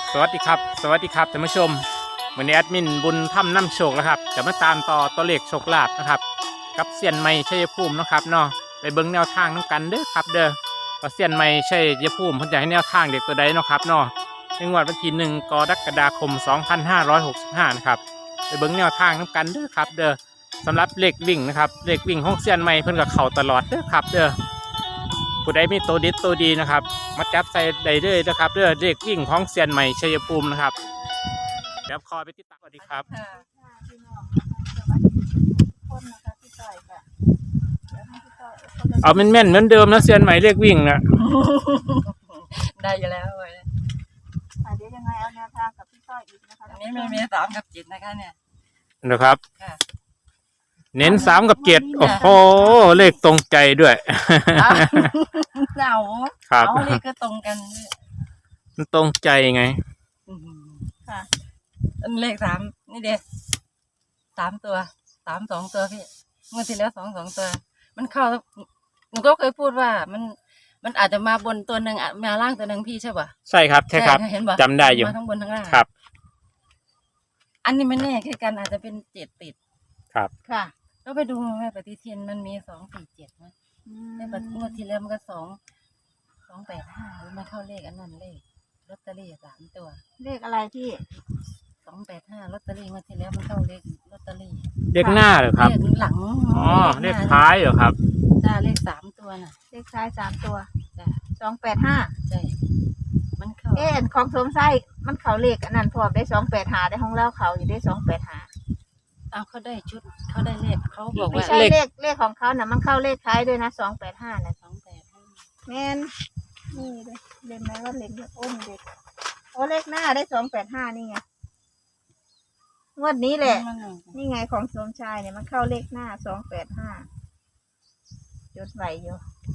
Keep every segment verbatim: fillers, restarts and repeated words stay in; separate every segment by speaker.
Speaker 1: สวัสดีครับสวัสดีครับท่านผู้ชมวันนี้แอดมินบุญถ้ำน้ำโชคแล้วครับจะมาตามต่อตัวเลขโชคลาภนะครับกับเซียนใหม่ชัยภูมินะครับเนาะไปเบิ่งแนวทางน้ำกันเด้อครับเด้อว่าเซียนใหม่ชัยภูมิเพิ่นจะให้แนวทางเด็กตัวใดเนาะครับเนาะในงวดวันที่หนึ่งกรกฎาคมสองพันห้าร้อยหกสิบห้านะครับไปเบิ่งแนวทางน้ำกันเด้อครับเด้อสำหรับเลขวิ่งนะครับเลขวิ่งของเซียนใหม่เพิ่นก็เข้าตลอดเด้อครับเด้อผู้ใดมีตัวดิสตัวดีนะครับมาจับใส่ได้เลยนะครับเด้อเลขวิ่งของเซียนใหม่ชัยภูมินะครับเดี๋ยวคอยไปติดตามสวัสดีครับเอาแม่นๆเหมือนเดิมนะเซียนใหม่เลขวิ่งนะ
Speaker 2: ได้อยู่แล้วเลย
Speaker 3: เดี๋ยวยังไงเอาแนวทางกับพี่ต้อยอีกนะคะ
Speaker 2: อันนี้ไม่มีสามกับจิตนะคะเนี่ย
Speaker 1: นะครับ
Speaker 2: ค่ะ
Speaker 1: เน้นสามกับเจ็ดโอ้โหเลขตรงใจด้วย
Speaker 2: เจ้า
Speaker 1: ครับ
Speaker 2: เอาเลขก็ตรงกัน
Speaker 1: มันตรงใจไง
Speaker 2: อื้อหือ
Speaker 3: ค่ะ
Speaker 2: อันเลขสามนี่เด็กสามตัวสามสองตัวพี่เมื่อที่แล้วสองสองตัว มันเข้าหนูก็เคยพูดว่ามันมันอาจจะมาบนตัวหนึ่งอ่ะมาล่างตัวหนึ่งพี่ใช่ป่ะ
Speaker 1: ใช่ครับใช่ครับ
Speaker 2: เห็นป่ะ
Speaker 1: จำได้อยู่
Speaker 2: มาทั้งบนทั้งล่าง
Speaker 1: ครับ
Speaker 2: อันนี้ไม่แน่คือกันอาจจะเป็นเจ็ดติด
Speaker 1: ครับ
Speaker 3: ค่ะ
Speaker 2: ก็ไปดูแม่ปฏิทินมันมีสองสี่เจ็ดนะแม่ปฏิงวดที่แล้วมันก็สองสองแปดห้ามันเข้าเลขอันนั้นเลขลอตเตอรี่สามตัว
Speaker 3: เลขอะไรพี่
Speaker 2: สองแปดห้าลอตเตอรี่งวดที่แล้วมันเข้าเลขลอตเตอรี่
Speaker 1: เลขหน้าเหรอครับ
Speaker 2: เลขหลัง
Speaker 1: อ๋อเลขท้ายเหรอครับ
Speaker 2: จ้าเลขสามตัวน่ะ
Speaker 3: เลขท้ายสามตัว
Speaker 2: จ้า
Speaker 3: สองแปดห้า
Speaker 2: ใช่มันเข้า
Speaker 3: เอ๊ะของสมไส้มันเขาเลขอันนั้นพร้อมได้สองแปดหาได้ของเล่าเขาอยู่ได้สองแปดหา
Speaker 2: เอาเขาได้ชุดเขาได้เลขเขาบอก
Speaker 3: ไม่
Speaker 2: ว่า
Speaker 3: ใช่
Speaker 1: เลข
Speaker 3: เลขเลขของเขาน่ะมันเข้าเลขท้ายด้วยนะสองแปดห้าน่ะ
Speaker 2: สองแปดห้า
Speaker 3: แม่นนี่เลยเล่นไหมว่าเล่นโอ้มเด็กโอ้เลขหน้าได้สองแปดห้านี่ไงงวดนี้แหละ นี่ไงของสมชายเนี่ยมันเข้าเลขหน้าสองแปดห้าจดไหวอยู่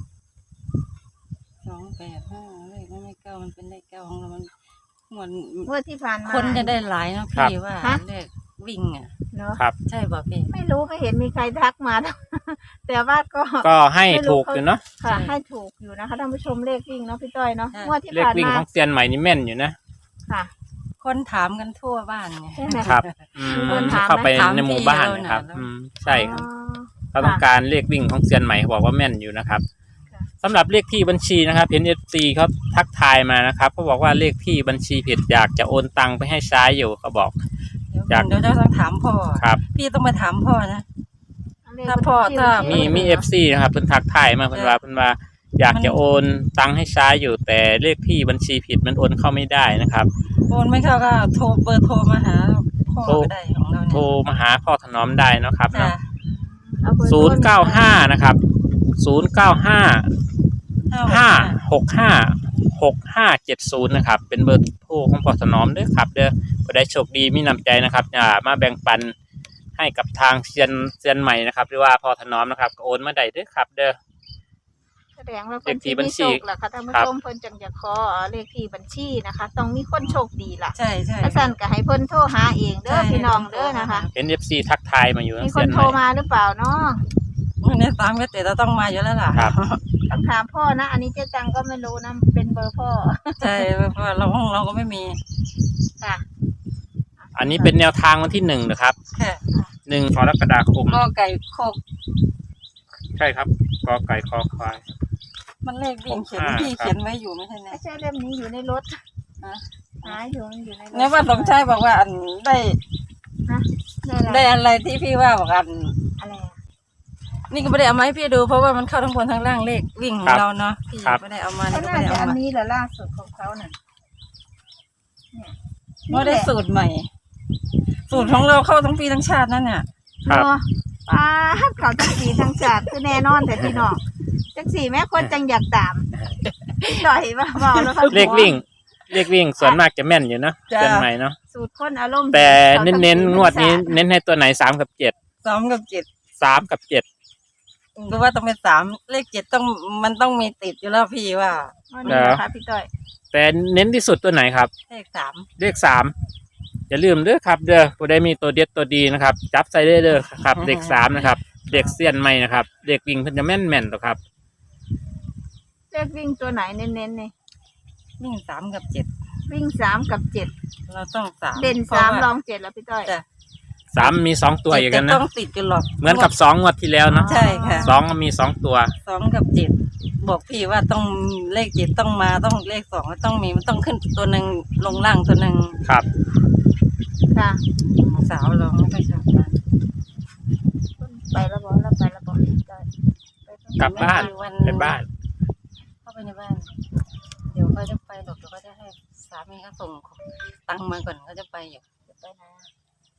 Speaker 2: สองแปดห้าเลขมันไม่เก้ามันเป็นเลขเก้าของเรามันเหมือน
Speaker 3: งวดที่ผ่านมา
Speaker 2: คนจะได้หลายเนาะ
Speaker 1: ครับ
Speaker 2: พี่ว่า
Speaker 3: ฮะ
Speaker 2: เลขวิ่งอ่ะ
Speaker 3: เนาะ
Speaker 1: ครับ
Speaker 2: ใช่ป่ะพี่
Speaker 3: ไม่รู้ไม่เห็นมีใครทักมา แต่ว่าก็
Speaker 1: ก็ให้ถูกอยู่เนาะ
Speaker 3: ค่ะ ให้ถูกอยู่นะคะท่านผู้ชมเลขวิ่งเนาะพี่ต้อยเนาะงวดที่
Speaker 1: เลข
Speaker 3: ผ่าน
Speaker 1: วิ่ง
Speaker 3: มา
Speaker 1: ของเซียนใหม่นี่แม่นอยู่นะ
Speaker 3: ค่ะ
Speaker 2: คนถามกันทั่วบ้านไง
Speaker 3: ใช่ไหม
Speaker 1: ครับอืม
Speaker 3: คนถามไหม
Speaker 1: เข้าไป
Speaker 2: ถาม
Speaker 1: ในหมู่บ้าน
Speaker 2: พี่เรา
Speaker 1: นะครับ
Speaker 2: น่ะ
Speaker 1: อืมใช่ครับ
Speaker 3: อ๋อ
Speaker 1: เขาต้องการเลขวิ่งของเซียนใหม่เขาบอกว่าแม่นอยู่นะครับ
Speaker 3: ค่ะ
Speaker 1: สำหรับเลขที่บัญชีนะครับเห็นเอฟซีเขาทักทายมานะครับเขาบอกว่าเลขที่บัญชีผิดอยากจะโอนตังไปให้ใช้อยู่เขาบอก
Speaker 2: เดี๋ยว
Speaker 1: อยาก
Speaker 2: เดี๋ยวจะต้องถามพ่อ
Speaker 1: ครับ
Speaker 2: พี่ต้องมาถามพ่อนะ
Speaker 3: เลข
Speaker 2: ถ้าพ่อ
Speaker 3: บัญชี
Speaker 2: ถ้า
Speaker 3: บัญชี
Speaker 1: มีมีเอฟซีนะครับเพิ่นทักทายมาเพิ่นว่าเพิ่นว่าอยากจะโอนตังให้ใช้อยู่แต่เลขที่บัญชีผิดมันโอนเข้าไม่ได้นะครับ
Speaker 2: โอนไม่เข้าก็โทรเบอร์โทรมาหาพ่อ
Speaker 1: โทร
Speaker 2: ก็ได้ของเรา
Speaker 1: โทร
Speaker 2: เนี่ย
Speaker 1: มาหาพ่อถนอมได้เนาะครับ
Speaker 2: จ้ะ
Speaker 1: เนาะ
Speaker 3: เอาบอร์
Speaker 1: ศูนย์เก้าห้านะครับศูนย์เก้าห้าห้าหกห้าหกห้าเจ็ดศูนย์นะครับเป็นเบอร์โทรของพ่อถนอมเด้อครับเด้อผู้ใดโชคดีมีน้ำใจนะครับอย่ามาแบ่งปันให้กับทางเซียนเซียนใหม่นะครับหรือว่าพ่อถนอมนะครับก็โอนมาได้เด้อครับเด้อ
Speaker 3: แสดงว่าคน
Speaker 1: เลขที่
Speaker 3: ที่
Speaker 1: บัญ
Speaker 3: มี
Speaker 1: ชี
Speaker 3: โชคแหละค่ะท่านผู้
Speaker 1: ครับ
Speaker 3: ชมเพิ่นจังจะขอเลขที่บัญชีนะคะ ต้องมีคนโชคดีล่ะ
Speaker 2: ใช่ใช่
Speaker 3: ถ้าสั่นก็ให้เพิ่นโทรหาเองเด้อพี่น้องเด้อนะคะ
Speaker 1: เห็นเอฟซีทักทายมาอยู่
Speaker 3: มี
Speaker 1: นะ
Speaker 3: ค
Speaker 1: เซีย
Speaker 3: น
Speaker 1: นให
Speaker 3: โทร
Speaker 1: ม่
Speaker 3: มาหรือเปล่าเนาะ
Speaker 2: วันนี้ตามก็เตะเราต้องมาอยู่แล้วล่ะ
Speaker 1: ครับ
Speaker 3: ต้องถามพ่อนะ อันนี้เจ๊จังก็ไม่รู้นะเป็นเบอร์พ่อ
Speaker 2: ใช่เพราะว่าเราห้องเราก็ไม่มี
Speaker 3: ค่ะ
Speaker 1: อันนี้เป็นแนวทางวันที่หนึ่งนะครับ
Speaker 2: แค่
Speaker 1: หนึ่งกรกฎาคม
Speaker 2: ก็ไก่โคก
Speaker 1: ใช่ครับกอไก่คอควาย
Speaker 2: มันเลขวิ่งเขียน
Speaker 1: อ่า
Speaker 2: พี่
Speaker 1: ครับ
Speaker 2: เขียนไว้อยู่ไม่ใช่ไหม
Speaker 3: ไม่ใช่เล่มนี้อยู่ในรถ
Speaker 2: ฮะ
Speaker 3: หาอยู่มันอยู่ในรถ
Speaker 2: เนี่ยว่าสมชายบอกว่าอันได้
Speaker 3: ฮะได้
Speaker 2: ได้
Speaker 3: อะไร
Speaker 2: อะไรที่พี่ว่าบอกอัน
Speaker 3: อะไรอะ
Speaker 2: นี่ก็ไม่ได้เอามาให้พี่ดูเพราะว่ามันเข้าทั้งบนทั้งล่างเลขวิ่งของเราเนาะพี่ไม่ได้เอามา
Speaker 3: เขา
Speaker 2: นี่ก็
Speaker 3: น่า
Speaker 2: ไม่ได้
Speaker 3: จะ
Speaker 2: เอา
Speaker 3: อัน
Speaker 2: มา
Speaker 3: นี้แหละล่าสุดของเขาน่ะเนี่ย
Speaker 2: ว่าได้สูตรใหม่ สูตรของเราเข้าทั้งปีทั้งชาตินั่นเนี่ย
Speaker 1: ครับ
Speaker 3: เนาะป้าดเขาจังสีทั้งจัดคือแน่นอนแต่พี่น้องจังสีแม่คนจังอยากตามต่อยมาเบาแล้วค่ะ
Speaker 1: เลขวิ่งเลขวิ่งส่วนมากจะแม่นอยู่เนาะเซียนใหม่เนาะ
Speaker 3: สูตรคนอารมณ์ดี
Speaker 1: แต่
Speaker 3: ขาจั
Speaker 1: เน้น
Speaker 3: สี
Speaker 1: ๆงวดนี้
Speaker 3: ทั้งจั
Speaker 1: เน้นให้ตัวไหนสามกับเจ็ด
Speaker 2: สองกับเจ็ด
Speaker 1: สามกับเจ็ด
Speaker 2: ก็ว่าต้องเป็นสามเลขเจ็ดต้องมันต้องมีติดอยู่แล้วพี่ว่า
Speaker 3: วันนี้นะคะพี่ต้อย
Speaker 1: แต่เน้นที่สุดตัวไหนครับ
Speaker 2: เลขสาม
Speaker 1: เลขสามอย่าลืมเด้อครับเด้อผู้ใดมีตัวเด็ดตัวดีนะครับ จับใส่ได้เด้อครับเลขสามนะครับเลขเซียนใหม่นะครับเลขวิ่งเพิ่นจะแม่นแม่นๆต่อครับ
Speaker 3: เลขวิ่งตัวไหนเน้นๆนี่
Speaker 2: วิ่งสามกับเจ็ด
Speaker 3: วิ่งสามกับเจ็ด
Speaker 2: เราต้องสาม
Speaker 3: เด่น
Speaker 2: พระ
Speaker 3: สาม
Speaker 2: ว่
Speaker 3: รองเจ็ดแล้วพี่ต้อย
Speaker 2: จ้ะ
Speaker 1: สามมีสองตัวอย่าง
Speaker 2: เจ็
Speaker 1: กั
Speaker 2: ด
Speaker 1: น
Speaker 2: จะ
Speaker 1: นะ
Speaker 2: ต้องติดกันหรอก
Speaker 1: เหมือนกับสองงวดที่แล้วเนาะ
Speaker 2: ใช่ค่ะ
Speaker 1: สองมีสองตัว
Speaker 2: สองกับเจ็ดบอกพี่ว่าต้องเลขเจ็ดต้องมาต้องเลขสองต้องมีมันต้องขึ้นตัวหนึ่งลงล่างตัวหนึ่ง
Speaker 1: ครับ
Speaker 3: ค่ะ
Speaker 2: สาวเราไม่ค่อยชอบกัน
Speaker 3: ไปแล้วบอกแล้วไปแล้วบอกพี่ต้อยไปตรง
Speaker 1: กลับบ้าน
Speaker 2: วัน
Speaker 1: ไปบ้าน
Speaker 2: เข้าไปในบ้าน เดี๋ยวเขาจะไปหรอกเดี๋ยวเขาจะให้สามีเขาส่งตังค์มาก่อนเขาจะไปอยู่
Speaker 3: จะไปไหนอะ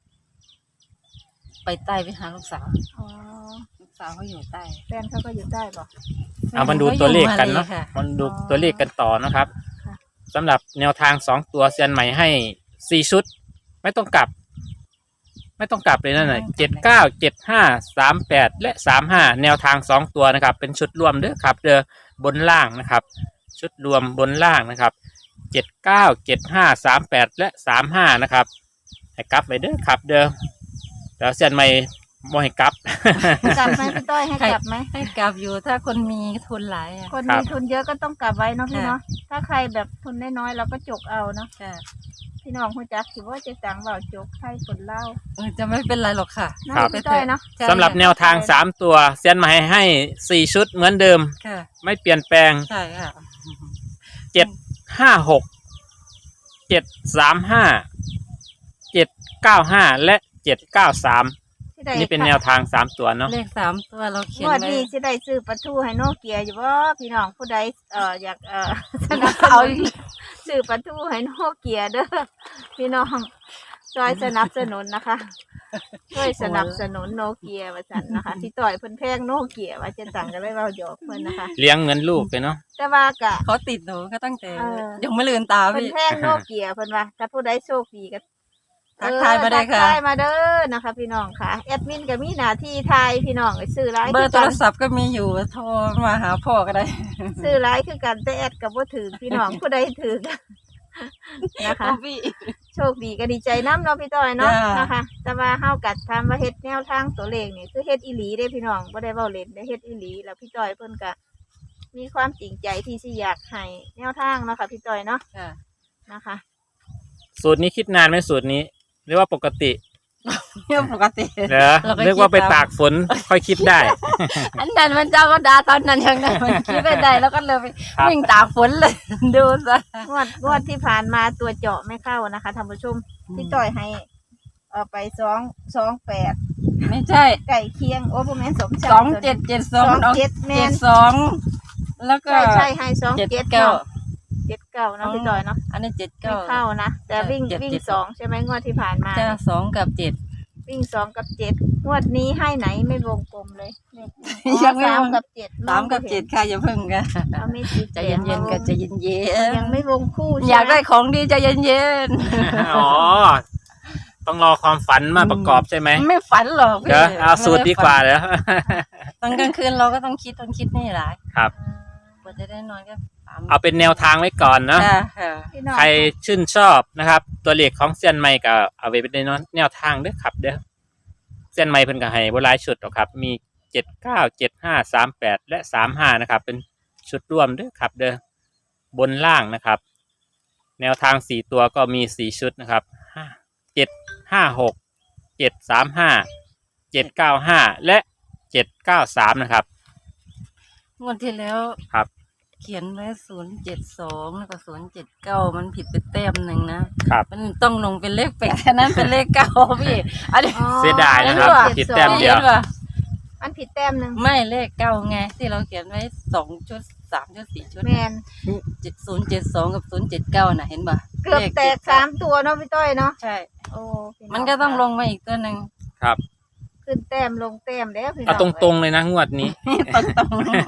Speaker 2: ไปใต้ไปหาลูกสาว
Speaker 3: อ๋อ
Speaker 2: ลูกสาวเขาอยู่ใต้
Speaker 3: แฟนเขาก็อยู่ใต้บอก
Speaker 1: เอามาดูตัวเลขกันเนาะ
Speaker 2: ขอยู่มลยค่
Speaker 1: มันดูตัวเลขกันต่อนะครับ
Speaker 3: ค่ะ
Speaker 1: สำหรับแนวทางสองตัวเซียนใหม่ให้สี่ชุด ไม่ต้องกลับ ไม่ต้องกลับเลยนั่นน่ะเจ็ดเก้าเจ็ดห้าสามแปดและสามห้าแนวทางสองตัวนะครับ เป็นชุดรวมเด้อครับ เด้อบนล่างนะครับ ชุดรวมบนล่างนะครับเจ็ดเก้าเจ็ดห้าสามแปดและสามห้านะครับให้กลับไปเด้อครับ เด้อแล้วเซียนใหม่บ่ให้กลับ
Speaker 3: กลับไหมพี่ต้อยให้กลับไหม
Speaker 2: ให้กลับอยู่ถ้าคนมีทุนหลายอ่ะ
Speaker 3: คน
Speaker 1: ครั
Speaker 3: มี
Speaker 1: บ
Speaker 3: ทุนเยอะก็ต้องกลับไว้เนาะพี่
Speaker 2: ค่ะ
Speaker 3: เนาะถ้าใครแบบทุนน้อยๆเราก็จกเอาเนาะ
Speaker 2: ค่ะ
Speaker 3: พี่น้องคุณจักคิดว่าจะจังเบาจกไทยคนเล่า
Speaker 2: เออจะไม่เป็นไรหรอกค่ะ
Speaker 3: น่า
Speaker 1: ครับ
Speaker 3: พี่ต้อยเนาะ
Speaker 2: ใช่
Speaker 1: สำหรับแนวทางสามตัวเซียนใหม่ให้สี่ชุดเหมือนเดิม
Speaker 2: ค่ะ
Speaker 1: ไม่เปลี่ยนแปลง
Speaker 2: ใช่ค่ะ
Speaker 1: เจ็ดห้าหกเจ็ดสามห้าเจ็ดเก้าห้าและเจ็ดเก้าสาม
Speaker 3: ที่ใด
Speaker 1: นี่เป็นแนวทางสามตัวเนาะ
Speaker 2: เลขสามตัวเราเขีย
Speaker 3: ง
Speaker 2: น
Speaker 3: วด
Speaker 2: ไว้
Speaker 3: นี้สิได้ซื้อปลาทูให้โนเกียอยู่บ่พี่น้องผู้ใดเอ่ออยากเอ่อ สนับส
Speaker 2: เอา
Speaker 3: นุนซื้อปลาทูให้โนเกียเด้อพี่น้องช่วยสนับสนุนนะคะ ช่วยสนับสนุนโนเกียว่าซั่นนะคะที่ต่อยเพิ่นแพงโนเกียว่าจะสั่งกันเลยเว้าหยอกเพิ่นนะคะ
Speaker 1: เลี้ยงเหมือนลูกเลยเนาะ
Speaker 3: แต่ว่ากะ
Speaker 2: เขาติดหนูก็ตั้งแต่
Speaker 3: เออ
Speaker 2: ยังไม่ลืมตา
Speaker 3: เพิ่น
Speaker 2: พี่
Speaker 3: แพงโนเกียเพิ่นว่าถ้าผู้ใดโชคดีก็
Speaker 2: ทักทายมาได้ค่ะ
Speaker 3: ทักทายมาเด้อนะคะ พี่น้องค่ะแอดมินก็มีหน้าที่ทายพี่น้องไปซื้อหลาย
Speaker 2: เบอ
Speaker 3: คื
Speaker 2: ร์
Speaker 3: อ
Speaker 2: โท
Speaker 3: กั
Speaker 2: ร
Speaker 3: น
Speaker 2: ศัพท์ก็มีอยู่โทรมาหาพ่อก็ได้
Speaker 3: ซื้อหลายคือกันแต่แอดก็บ่ถือพี่น้องผู้ใดถือ นะคะ
Speaker 2: พี่
Speaker 3: โชคดีก็ดีใจน้ำเนาะพี่ต้อยเนาะ
Speaker 2: จ้าน
Speaker 3: นะคะ แต่ว่าเฮากัดทำว่าเฮ็ดแนวทางตัวเลขนี่คือเฮ็ดอีหลีเด้พี่น้องบ่ได้เว้าเล่นได้เฮ็ดอีหลีแล้วพี่ต้อยเพิ่นก็มีความจริงใจที่สิอยากให้แนวทางเนาะค่ะพี่ต้อยเนาะ
Speaker 2: ค่ะ
Speaker 3: นะคะ
Speaker 1: สูตรนี้คิดนานไหมสูตรนี้หรือว่าปกติ
Speaker 2: เรื่องปกติ
Speaker 1: เหรอ
Speaker 2: เราก็
Speaker 1: เรียกว่าไป
Speaker 2: คิดตาม
Speaker 1: ตากฝนค่อยคิดได้
Speaker 2: อันนั้นมันเจ้าก็ดาตอนนั้นยังไงมันคิดไม่ได้แล้วก็เลยไป
Speaker 1: ครับ
Speaker 2: วิ่งตากฝนเลย ดูซะ
Speaker 3: งวดงวดที่ผ่านมาตัวเจาะไม่เข้านะคะท่านผู้ชมพี่ต้อยให้เอ่อไปสองสองแปด
Speaker 2: ไม่ใช่
Speaker 3: ไก่เคียงโอ้บ่แม่นสมชาย
Speaker 2: สองเจ็ดเจ็ดสอง
Speaker 3: สองเจ็ดแม่
Speaker 2: เจ็
Speaker 3: น
Speaker 2: ดสองแล้วก็
Speaker 3: ใช่ใช่ให้สอง
Speaker 2: เจ็ด
Speaker 3: เจ็ด
Speaker 2: เก้า
Speaker 3: เนาะเจ็ดเก้าเนาะพี่ต้อยเนาะ
Speaker 2: อันนี้เจ็ด
Speaker 3: ไม่
Speaker 2: เก้า
Speaker 3: เข้านะแต่วิ่ง
Speaker 2: เจ็ด
Speaker 3: วิ่ง
Speaker 2: เจ็ด
Speaker 3: สองใช่ไหมงวดที่ผ่านมา
Speaker 2: จ้าสองกับเจ็ด
Speaker 3: วิ่งสองกับเจ็ดงวดนี้ให้ไหนไม่วงกลมเลยเลขนี้
Speaker 2: ยังไม่
Speaker 3: สาม
Speaker 2: วง
Speaker 3: กับเจ็ด
Speaker 2: สามกับเจ็ดค่ะอย่าเพิ่งกัน
Speaker 3: เอาไม่ติด
Speaker 2: ใจเย็นๆกันใจเย็น
Speaker 3: ยังไม่วงคู่
Speaker 2: ๆอยากได้ของดีใจเย็น
Speaker 1: อ๋อ ต้องรอความฝันมาประกอบใช่ไหม
Speaker 2: ๆไม่ฝันหรอกพี่
Speaker 1: เดี๋ยวเอาสูตรดีกว่าเดี๋ยว
Speaker 2: ตอนกลางคืนเราก็ต้องคิดต้องคิดนี่หลาย
Speaker 1: ครับ
Speaker 2: กว่าจะได้นอนก็สาม
Speaker 1: เอาเป็นแนวทางไว้ก่อนเนาะ
Speaker 2: ค่ะค่ะ
Speaker 3: พี่น้อง
Speaker 1: ใครชื่นชอบนะครับ ตัวเลขของเซียนใหม่ก็เอาไปเป็นแนวทางเด้อครับ เด้อเซียนใหม่เพิ่นก็ให้บ่หลายชุดหรอกครับ มีเจ็ดเก้าเจ็ดห้าสามแปดและสามห้านะครับ เป็นชุดร่วมเด้อครับ เด้อบนล่างนะครับ แนวทางสี่ตัวก็มีสี่ชุดนะครับห้าเจ็ดห้าหกเจ็ดสามห้าเจ็ดเก้าห้าและเจ็ดเก้าสามนะครับ
Speaker 2: งวดที่แล้ว
Speaker 1: ครับ
Speaker 2: เขียนไว้ศูนย์เจ็ดสองแล้วก็ศูนย์เจ็ดเก้ามันผิดไปแต้มหนึ่งนะครับ มันต้องลงเป็นเลขแปดอันนั้นเป็นเลขเก้าพี่อันนี้
Speaker 3: อ๋อ
Speaker 1: เสียดายนะครับ
Speaker 3: อั
Speaker 1: ผิดแต้มเดียว
Speaker 2: ห็นป่ะ
Speaker 3: มันผิดแต้มหนึ่ง
Speaker 2: ไม่เลขเก้าไงที่เราเขียนไว้สองชุดสามชุดสี่ชุด
Speaker 3: แมน
Speaker 2: เจ็ดศูนย์เจ็ดสองกับศูนย์เจ็ดเก้าน่ะเห็นป่ะ
Speaker 3: เกือบแตกสามตัวเนาะพี่ต้อยเนาะ
Speaker 2: ใช่
Speaker 3: โอ้พี่น้
Speaker 2: มันก็ต้องลงมาอีกตัวหนึ่ง
Speaker 1: ครับ
Speaker 3: ขึ้นแต้มลงแต้มแล้วพี่น้
Speaker 1: เอาตรงๆเลยนะงวดนี้
Speaker 2: ตรงตรง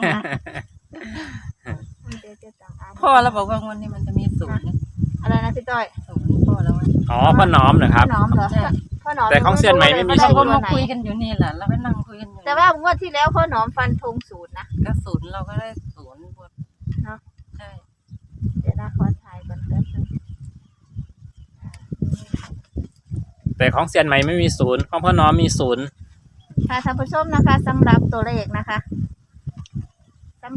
Speaker 3: เดี๋ยวจะสั่งอ่าน
Speaker 2: ๆพ่อเราบอกว่างวันนี้มันจะมีศูนย์
Speaker 3: อะไรนะพี่ต้อย
Speaker 2: ศูนย์พ่อแล้วว่า
Speaker 1: อ๋อพ่อน้อมเหรอครับ
Speaker 3: พ่อหนอมเหรอ
Speaker 2: ใช่
Speaker 3: พ่อหนอม
Speaker 1: แต่ของเซียนใหม่ไม่มี
Speaker 2: เรา
Speaker 1: ศู
Speaker 2: ก็
Speaker 1: นย์
Speaker 2: มาคุยกันอยู่นี่แหละเราก็นั่งคุยกันอยู่
Speaker 3: แต่ว่างวดที่แล้วพ่อหนอมฟันธงศูนย์นะ
Speaker 2: ก็ศูนย์เราก็ได้ศูนย์หมด
Speaker 3: เนาะ
Speaker 2: ใช่
Speaker 3: เดี๋ยวนะขอถ่ายก่อนแป๊บนึง
Speaker 1: แต่ของเซียนใหม่ไม่มีศูนย์ของพ่อน้อมมีศูนย์
Speaker 3: ค่ะท่านผู้ชมนะคะสำหรับตัวเลขนะคะสำหรับ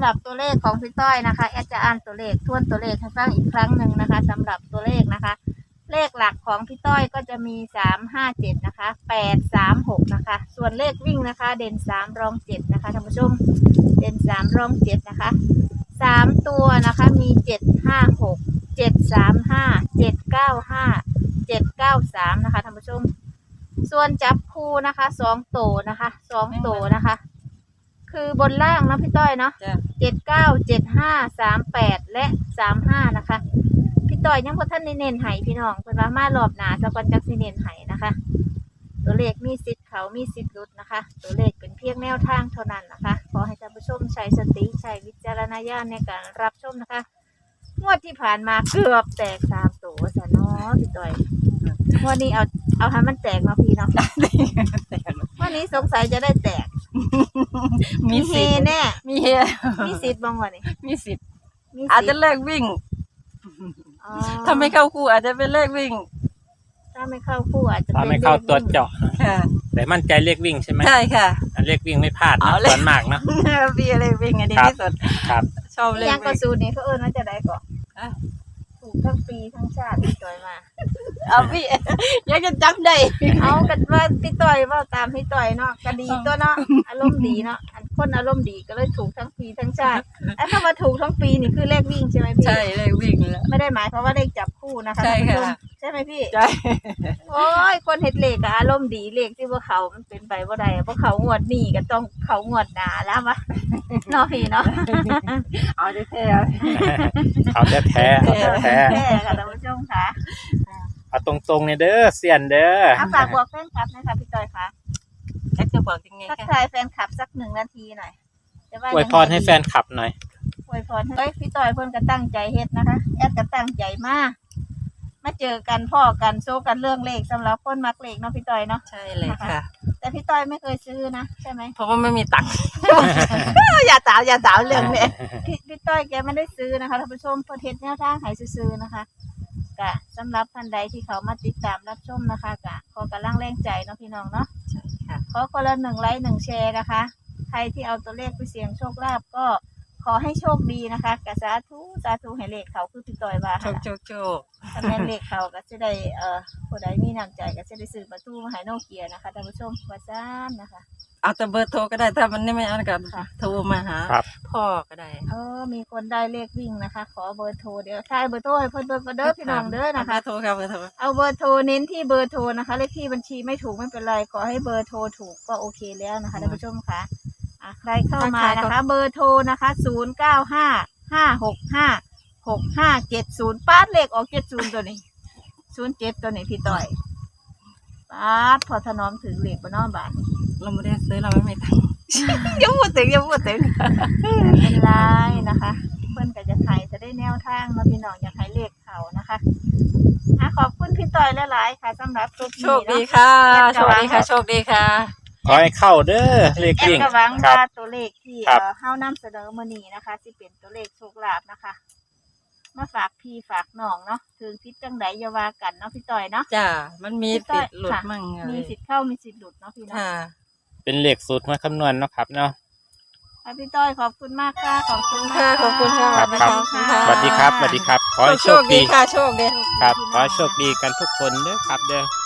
Speaker 3: หรับตัวเลขของพี่ต้อยนะคะแอดจะอ่านตัวเลขทวนตัวเลขให้ฟังอีกครั้งหนึ่งนะคะสำหรับตัวเลขนะคะ เลขหลักของพี่ต้อยก็จะมีสามห้าเจ็ดนะคะแปดสามหกนะคะส่วนเลขวิ่งนะคะ เด่นสามรองเจ็ดนะคะท่านผู้ชมเด่นสามรองเจ็ดนะคะสามตัวนะคะมีเจ็ดห้าหกเจ็ดสามห้าเจ็ดเก้าห้าเจ็ดเก้าสามนะคะท่านผู้ชมส่วนจับคู่นะคะสองโตนะคะสองโตนะคะ คือบนล่างนะพี่ต้อยเนาะ
Speaker 2: จ้ะ
Speaker 3: เจ็ดเก้าเจ็ดห้าสามแปดและสามห้านะคะพี่ต้อยยังพอท่านได้เน้นไห้พี่น้องเพิ่นว่ามารอบหนาสะกอนจักสิเน้นไห้นะคะ ตัวเลขมีสิทธิ์เขามีสิทธิ์หลุดนะคะ ตัวเลขเป็นเพียงแนวทางเท่านั้นนะคะขอให้ท่านผู้ชมใช้สติใช้วิจารณญาณในการรับชมนะคะงวดที่ผ่านมาเกือบแตกสามตัวซะเนาะพี่ต้อยงวดนี้เอาเอาให้มันแตกเนาะพี่เนาะ วันนี้สงสัยจะได้แตก
Speaker 2: มี
Speaker 3: เฮ
Speaker 2: สิทธิ์
Speaker 3: แน่
Speaker 2: มีเฮ
Speaker 3: มีสิทธิ์บ้างวะนี่
Speaker 2: มีสิทธิ์
Speaker 3: มี
Speaker 2: อาจ
Speaker 3: สิ
Speaker 2: จะ
Speaker 3: ทธิ์
Speaker 2: เลิกวิ่ง
Speaker 3: อ๋อ
Speaker 2: ถ้าไม่เข้าคู่อาจจะเป็นเลขวิ่ง
Speaker 3: ถ้าไม่เข้าคู่อาจจะ
Speaker 1: ถ้า
Speaker 3: เป็น
Speaker 1: ไม่เข้าตัว
Speaker 3: ลข
Speaker 1: เจาะ
Speaker 2: ค่ะ
Speaker 1: แต่มั่นใจเลขวิ่งใช่ไหม
Speaker 2: ใช่ค่ะ
Speaker 1: อันเลขวิ่งไม่พลาดนะ
Speaker 2: เอาเลข
Speaker 1: ส่วนมากเนาะ
Speaker 2: พี่เลขวิ่งอันดี
Speaker 1: ครับ
Speaker 2: ที่สุด
Speaker 1: ครับ
Speaker 2: ชอบเล
Speaker 3: วิ่ง
Speaker 2: ข
Speaker 3: ยังกระ
Speaker 2: วิ่ง
Speaker 3: สูนนี่เขาเอิ้นว่าจะได้ก่อน
Speaker 2: อ่ะ
Speaker 3: ถูกทั้งปีทั้งชาติพี่ต่อยมา
Speaker 2: เอาพี่ยังจะจำได้
Speaker 3: เอากันว่าพี่ต่อยว่าตามพี่ต่อยเนาะก็ดีตัวเนาะอารมณ์ดีเนาะอันคนอารมณ์ดีก็เลยถูกทั้งปีทั้งชาติไอ้ถ้ามาถูกทั้งปีนี่คือเลขวิ่งใช่ไหมพี่
Speaker 2: ใช่เลขวิ่งแล้ว
Speaker 3: ไม่ได้หมายความว่าเลขจับคู่นะคะ
Speaker 2: ใช่ค่ะ
Speaker 3: ท่านผู้ชมใช่ไหมพี่
Speaker 2: ใช่
Speaker 3: โอ้ยคนเฮ็ดเลขอะอารมณ์ดีเลขที่พวกเขามันเป็นไปบ่ได้พวกเขางวดนี้ก็ต้องเขางวดหน้าแล้ววะ เนาะพี่เนาะ
Speaker 2: เอาได้แท้
Speaker 1: เอาแท้แท้ๆเอาแท้แท้
Speaker 3: แท้ค่ะท่านผู้ชมค่ะ
Speaker 1: ๆเอาตรงๆเนี่ยเด้อเสียนเด้อ
Speaker 3: เอาฝากบอกแฟนคลับนะคะพี่จอยค่ะ
Speaker 2: แอดจะบอกยังไง
Speaker 3: ทัก
Speaker 2: คะ
Speaker 3: ทายแฟนคลับสักหนึ่งนาทีหน่อยจะว่า
Speaker 1: อวยพรให้แฟนคลับหน่อย
Speaker 3: อวยพรเฮ้ยพี่จอยเพิ่นก็ตั้งใจเฮ็ดนะคะแอดก็ตั้งใจมากมาเจอกันพ่อกันโซกันเรื่องเลขสำหรับคนมักเลขเนาะพี่จอยเนาะ
Speaker 2: ใช่เลยค่ะ
Speaker 3: แต่พี่จอยไม่เคยซื้อนะใช่ไหม
Speaker 2: เพราะว่าไม่มีตังค์ อย่าถามอย่าถามเรื่องนี้
Speaker 3: พี่พี่ต้อยแกไม่ได้ซื้อนะคะท่านผู้ชมเพิ่นเฮ็ดแนวทางให้ซื้อๆนะคะกะสำหรับท่านใดที่เขามาติดตามรับชมนะคะกะขอกำลังแรงใจเนาะพี่น้องเนาะ
Speaker 2: ใช่ค่ะ
Speaker 3: ขอคนละหนึ่งไลค์หนึ่งแชร์นะคะ ใครที่เอาตัวเลขไปเสี่ยงโชคลาภก็ขอให้โชคดีนะคะกะสาธุสาธุให้เลขเขาคือพี่ต้อยว่า
Speaker 2: โชคโชคโชค
Speaker 3: ถ้าแม่นเลขเขาก็จะได้เอ่อผู้ใดมีน้ำใจก็จะได้ซื้อประตูมาให้โนเกียนะคะท่านผู้ชมว่าซ่านนะคะ
Speaker 2: เอาแต่เบอร์โทรก็ได้ถ้ามันไม่เอากัน
Speaker 3: ค่ะ
Speaker 2: โทรมาหา
Speaker 1: ครับ
Speaker 2: พ่อก็ได้
Speaker 3: เออมีคนได้เลขวิ่งนะคะ ขอเบอร์โทรเดี๋ยวทายเบอร์โทรให้เพิ่นเบอร์เด้อพี่น้องเด้อนะคะ
Speaker 2: เบอร์โทรครับเบอร์โทร
Speaker 3: เอาเบอร์โทรเน้นที่เบอร์โทรนะคะเลขที่บัญชีไม่ถูกไม่เป็นไรขอให้เบอร์โทรถูกก็โอเคแล้วนะคะท่านผู้ชมค่ะอ่ะใครเข้ามานะคะ เบอร์โทรนะคะศูนย์เก้าห้าห้าหกห้าหกห้าเจ็ดศูนย์ป้าดเลขออกเจ็ดศูนย์ตัวนี้ศูนย์เจ็ดตัวนี้พี่ต่อยป้าดพอถนอมถึงเลขบนน้อบ้าน
Speaker 2: เราไม่ได้ซื้อเราไม่มีตังค์ อย่าพูดถึงอย่าพูดถึง
Speaker 3: เป็นไรนะคะ เพื่อนก็จะไทยจะได้แนวทางมาพี่น้องอยากให้เลขเขานะคะอ่ะขอบคุณพี่ต่อยหลายๆค่ะสำหรับตัว
Speaker 2: โช
Speaker 3: นี้
Speaker 2: คดี
Speaker 3: เนาะ
Speaker 2: ค่ะโชคดีค่ะโชคดีค่ะ
Speaker 1: ขอให้เข้าเด้อเลข
Speaker 3: แอด
Speaker 1: วิ่ง
Speaker 3: ก็หวัง
Speaker 1: ครับ
Speaker 3: ว่าตัวเลขที่
Speaker 1: ครับ
Speaker 3: เอ่อเฮานำเสนอมื้อนี้นะคะที่เป็นตัวเลขโชคลาภนะคะ มาฝากพี่ฝากน้องเนาะถึงพิษจังไดอย่าว่ากันเนาะพี่ต่อยเนาะ
Speaker 2: จ้ามันมีติดหลุดมั่งอะไร
Speaker 3: มีสิทธิ์เข้ามีสิทธิ์หลุดเนาะพี่เนาะ
Speaker 2: ค่ะ
Speaker 1: เป็นเลขสูตรมาคำนวณเนาะครับเนาะ
Speaker 3: อ่ะพี่ต้อยขอบคุณมากค่ะขอบคุณ
Speaker 2: ค่ะขอบคุณค่ะ
Speaker 1: ครับ
Speaker 2: สวัสดี
Speaker 1: ครับ
Speaker 2: ค่ะ
Speaker 1: สวัสดีครับสวัสดีครับ ขอให้โชคดี
Speaker 2: ค่ะโชคดี
Speaker 1: ครับ ขอให้โชคดีกันทุกคนเด้อครับเด้อ